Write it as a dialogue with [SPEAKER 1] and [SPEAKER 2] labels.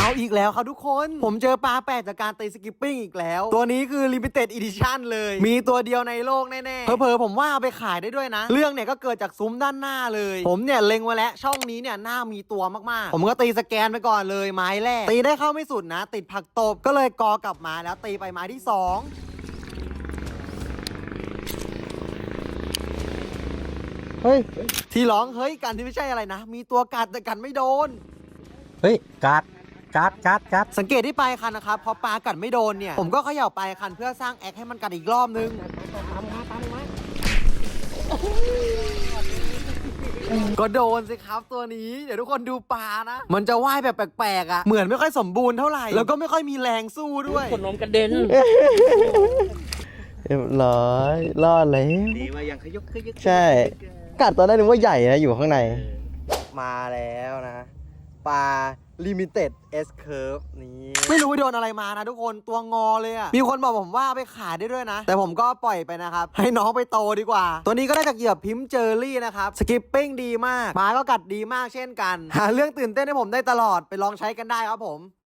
[SPEAKER 1] เอาอีกแล้วครับทุกคนผมเจอปลาแปลกจากการตีสกิปปิ้งอีกแล้วตัวนี้คือ Limited Edition เลยมีตัวเดียวในโลกแน่ๆเผลอๆผมว่าเอาไปขายได้ด้วยนะเรื่องเนี่ยก็เกิดจากซุ้มด้านหน้าเลยผมเนี่ยเล็งไว้แล้วช่องนี้เนี่ยน่ามีตัวมากๆผมก็ตีสแกนไปก่อนเลยไม้แรกตีได้เข้าไม่สุดนะติดผักตบก็เลยกอกลับมาแล้วตีไปไม้ที่2เฮ้ยที่ร้องเฮ้ยกันที่ไม่ใช่อะไรนะมีตัวกัดแต่กันไม่โดน
[SPEAKER 2] เฮ้ยกัด
[SPEAKER 1] สังเกตที่ปลายคันนะครับพอปลากัดไม่โดนเนี่ยผมก็เขย่าปลายคันเพื่อสร้างแอคให้มันกัดอีกรอบนึงก็โดนสิครับตัวนี้เดี๋ยวทุกคนดูปลานะมันจะว่ายแบบแปลกๆอ่ะเหมือนไม่ค่อยสมบูรณ์เท่าไหร่แล้วก็ไม่ค่อยมีแรงสู้ด้วย
[SPEAKER 3] ขนมกระเด็น
[SPEAKER 2] เรียบร้อยรอดเลย
[SPEAKER 3] ดีว่ายังขยุก
[SPEAKER 2] ใช่กัดตอนแรกนึกว่าใหญ่นะอยู่ข้างในมาแล้วนะปลา Limited S Curve นี่ไม่รู้โดนอะไรมานะทุกคนตัวงอเลยอะมีคนบอกผมว่าเอาไปขายได้ด้วยนะแต่ผมก็ปล่อยไปนะครับให้น้องไปโตดีกว่าตัวนี้ก็ได้จากเหยื่อพิมพ์เจอรี่นะครับสกิปปิ้งดีมากปลาก็กัดดีมากเช่นกันหาเรื่องตื่นเต้นให้ผมได้ตลอดไปลองใช้กันได้ครับผม